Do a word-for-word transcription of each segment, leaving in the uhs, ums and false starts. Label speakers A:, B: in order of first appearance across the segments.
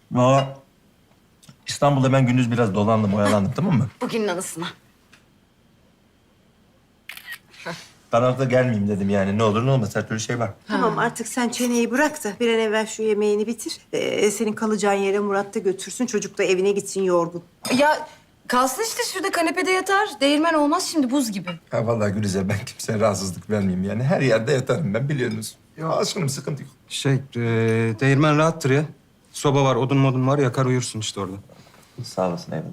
A: Valla İstanbul'da ben gündüz biraz dolandım, oyalandım, tamam mı?
B: Bugünün anısına.
A: Karanlıkta gelmeyeyim dedim yani. Ne olur ne olmaz, her türlü şey var.
C: Tamam artık sen çeneyi bırak da bir an evvel şu yemeğini bitir. Ee, senin kalacağın yere Murat da götürsün. Çocuk da evine gitsin yorgun.
B: Ya kalsın işte şurada kanepede yatar. Değirmen olmaz şimdi buz gibi.
A: Ha vallahi Gülizar, ben kimseye rahatsızlık vermeyeyim yani. Her yerde yatarım ben, biliyorsunuz. Ya aşkım, sıkıntı yok.
D: Şey, e, değirmen rahattır ya. Soba var, odun modun var, yakar uyursun işte orada.
A: Sağ olasın, eyvallah.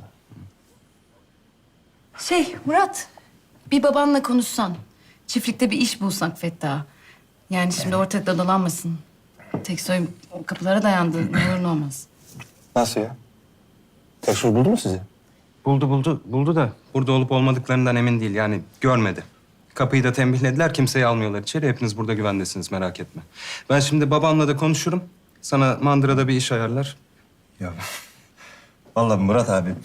B: Şey Murat, bir babanla konuşsan. Çiftlikte bir iş bulsak Fettah'a. Yani şimdi ortalıkta dolanmasın. Teksoy o kapılara dayandı. Ne olur ne olmaz.
A: Nasıl ya? Tekşur buldu mu sizi?
D: Buldu buldu, buldu da burada olup olmadıklarından emin değil. Yani görmedi. Kapıyı da tembihlediler, kimseyi almıyorlar içeri. Hepiniz burada güvendesiniz, merak etme. Ben şimdi babamla da konuşurum. Sana mandırada bir iş ayarlar.
A: Ya vallahi Murat abi.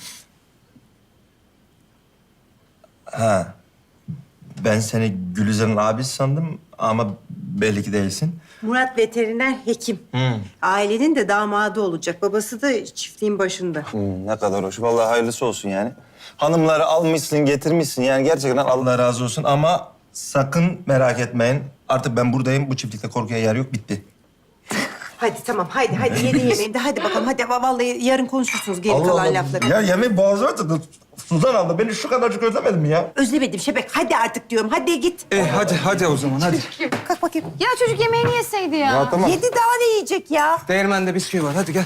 A: Ha. Ben seni Gülizar'ın abisi sandım ama belli ki değilsin.
C: Murat veteriner hekim.
A: Hı.
C: Ailenin de damadı olacak. Babası da çiftliğin başında.
E: Hmm, ne kadar hoş. Vallahi hayırlısı olsun yani. Hanımları almışsın, getirmişsin. Yani gerçekten Allah...
A: Allah razı olsun ama sakın merak etmeyin. Artık ben buradayım. Bu çiftlikte korkuya yer yok. Bitti.
C: Hadi tamam hadi hadi yedin yemeğini de hadi bakalım. Hadi vallahi yarın konuşursunuz geri kalan lafları.
A: Ya yemeği boğazıma tıktı. Suzan abla beni şu kadarcık özlemedin mi ya?
C: Özlemedim Şebek. Hadi artık diyorum. Hadi git.
D: E hadi, hadi o zaman, hadi.
C: Kalk bakayım.
B: Ya çocuk yemeğini yeseydi ya.
E: Ya tamam.
C: Yedi daha ne yiyecek ya?
D: Değirmende bisküvi var, hadi gel.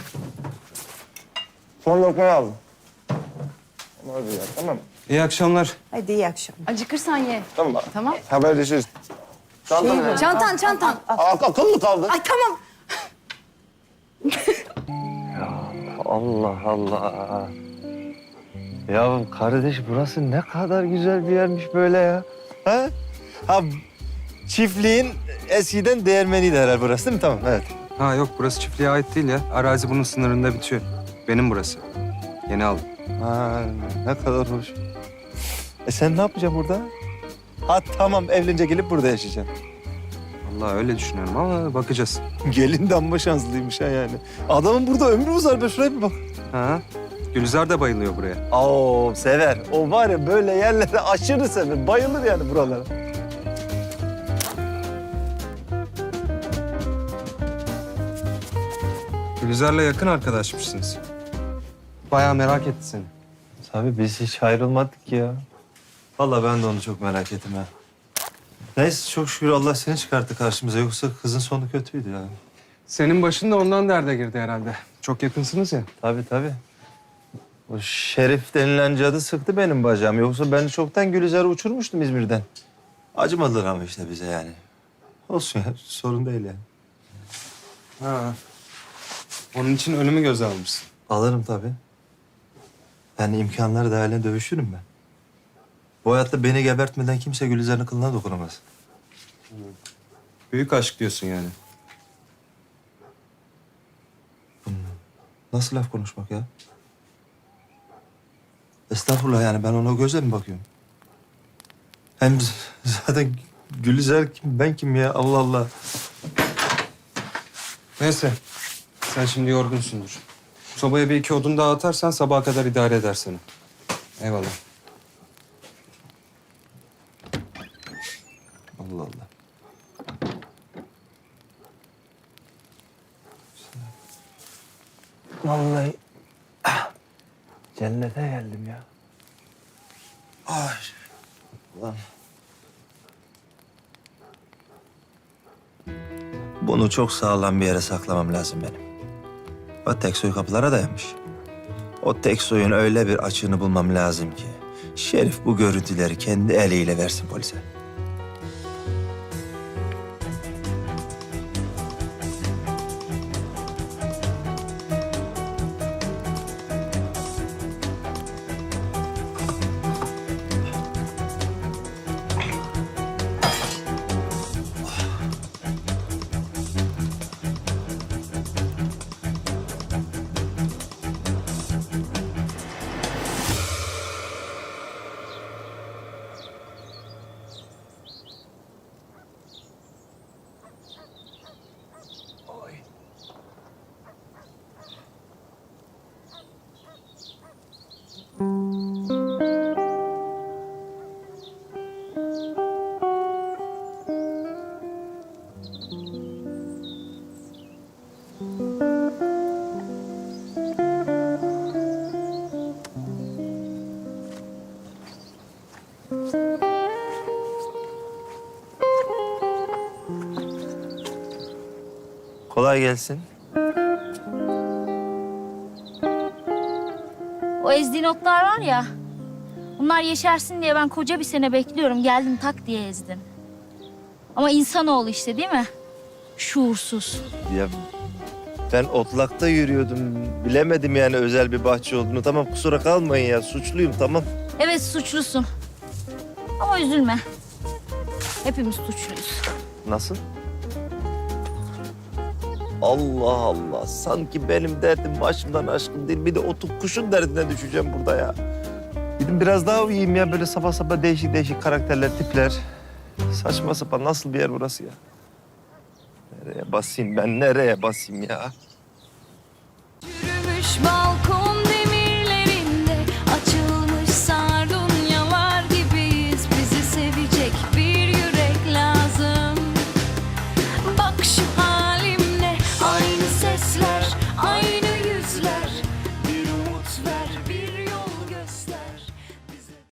E: Son lokmayı aldım. Hadi ya, tamam.
D: İyi akşamlar.
C: Hadi iyi akşamlar.
B: Acıkırsan ye.
E: Tamam.
B: Tamam.
E: Haberleşiriz. Çantanı
C: Şey
E: ver.
B: Çantan çantan.
E: Ak akıl mı kaldı?
C: Ay tamam.
E: Allah Allah. Ya kardeş, burası ne kadar güzel bir yermiş böyle ya. Ha? Ha, çiftliğin eskiden değirmeniydi herhalde burası, değil mi? Tamam, evet.
D: Ha yok, burası çiftliğe ait değil ya. Arazi bunun sınırında bitiyor. Benim burası. Yeni aldım.
E: Ha, ne kadar hoş. E sen ne yapacaksın burada? Ha tamam, evlenince gelip burada yaşayacaksın.
D: Vallahi öyle düşünüyorum ama bakacağız.
E: Gelin de amma şanslıymış ha yani. Adamın burada ömrü uzar be, şuraya bir bak.
D: Ha? Gülizar da bayılıyor buraya.
E: Oo, sever. O var ya, böyle yerlere aşırı sever. Bayılır yani buralara.
D: Gülizar'la yakın arkadaşmışsınız. Bayağı merak etti seni.
E: Tabii biz hiç ayrılmadık ya. Vallahi ben de onu çok merak ettim ha. Neyse, çok şükür Allah seni çıkarttı karşımıza. Yoksa kızın sonu kötüydü yani.
D: Senin başın da ondan derde girdi herhalde. Çok yakınsınız ya.
E: Tabii tabii. O Şerif denilen cadı sıktı benim bacağım. Yoksa ben çoktan Gülizar'ı uçurmuştum İzmir'den. Acımadılar ama işte bize yani. Olsun ya, sorun değil yani.
D: Ha. Onun için ölümü göze almışsın.
E: Alırım tabii. Yani imkanları dahilinde dövüşürüm ben. Bu hayatta beni gebertmeden kimse Gülizar'ın kılına dokunamaz.
D: Büyük aşk diyorsun yani.
E: Nasıl laf konuşmak ya? Estağfurullah, yani ben ona o gözle mi bakıyorum? Hem z- zaten Gülizar kim, ben kim ya? Allah Allah.
D: Neyse. Sen şimdi yorgunsundur. Sobaya bir iki odun daha atarsan sabaha kadar idare eder seni. Eyvallah.
E: Allah Allah. Vallahi ah, cennete geldim ya. Ay. Ulan. Bunu çok sağlam bir yere saklamam lazım benim. O tek soy kapılara dayanmış. O tek soyun öyle bir açığını bulmam lazım ki Şerif bu görüntüleri kendi eliyle versin polise. Kolay gelsin.
F: O ezdiğin otlar var ya, bunlar yeşersin diye ben koca bir sene bekliyorum. Geldim tak diye ezdim. Ama insanoğlu işte değil mi? Şuursuz.
E: Ya ben otlakta yürüyordum. Bilemedim yani özel bir bahçe olduğunu. Tamam kusura kalmayın ya. Suçluyum tamam.
F: Evet suçlusun. Ama üzülme. Hepimiz suçluyuz.
E: Nasıl? Allah Allah. Sanki benim derdim başımdan aşkın değil. Bir de otup kuşun derdine düşeceğim burada ya. Gidin biraz daha uyuyayım ya. Böyle sabah sabah değişik değişik karakterler, tipler. Saçma sapan nasıl bir yer burası ya? Nereye basayım ben? Nereye basayım ya?
G: Yürümüş balkon